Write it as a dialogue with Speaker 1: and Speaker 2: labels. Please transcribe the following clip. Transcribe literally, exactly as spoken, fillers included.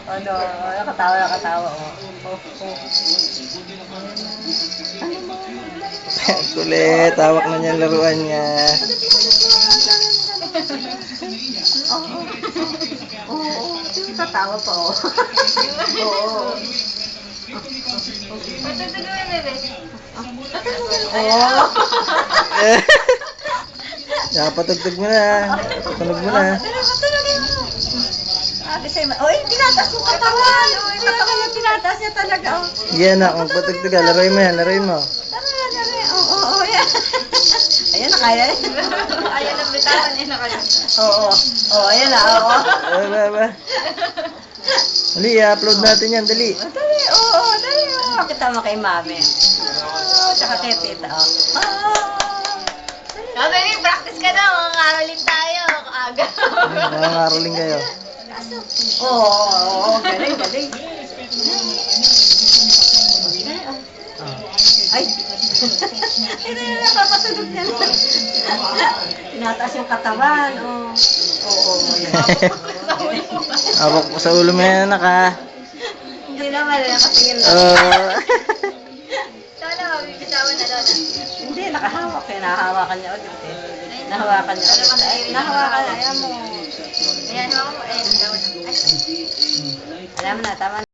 Speaker 1: Ano, nakatawa, nakatawa. Oh. Oh, oh. Ano mo?
Speaker 2: Kulit, hawak na niya ang laruan niya.
Speaker 1: Oo. Oo. Oo. Tatawa pa, oh. Oo.
Speaker 3: Patutulungan na, bebe.
Speaker 1: Oo.
Speaker 2: Napatugtog mo na. Tunog mo na.
Speaker 1: Ate sa'yo, oy, tinatas yung katawan. Katawan yung tinatas niya talaga, oh.
Speaker 2: Yan na, kung patugtog ka, laruin mo yan, laruin mo.
Speaker 1: Tara, tara. Oo, oo, oo, yan. Ayan na, kaya.
Speaker 3: Ayaw na bitawan niya na kayo.
Speaker 1: Oo, oo, ayan na, oo.
Speaker 2: Ba, ba, ba. Dali, i-upload natin yan, dali.
Speaker 1: Oh, dali, oo, oo, dali, oo. Kita mo kay mami. Oo, tsaka kay tita, oh. Oo.
Speaker 3: Oh, baby, practice ka na. Makakaroling tayo. Aga.
Speaker 2: Nangangaroling kayo.
Speaker 1: Oo, oo, oo, galing, galing. Ay! Ito yun, napapatulog niya. Tinataas yung katawan, oo. Oo, oo, yan.
Speaker 2: Hawak mo sa ulo mo yan, anak, ha?
Speaker 1: Hindi naman, nakatingin lang.
Speaker 2: Oo.
Speaker 3: Sana, mabibitawan na doon.
Speaker 1: Hindi, nakahawak. Kaya nahahawakan niya ulit eh. Nahawakan niya ulit. Ay, nahawakan, ayaw mo.
Speaker 3: Ayan, ako. Ayan, daw na. Ay.
Speaker 1: Alam mo na, tama na.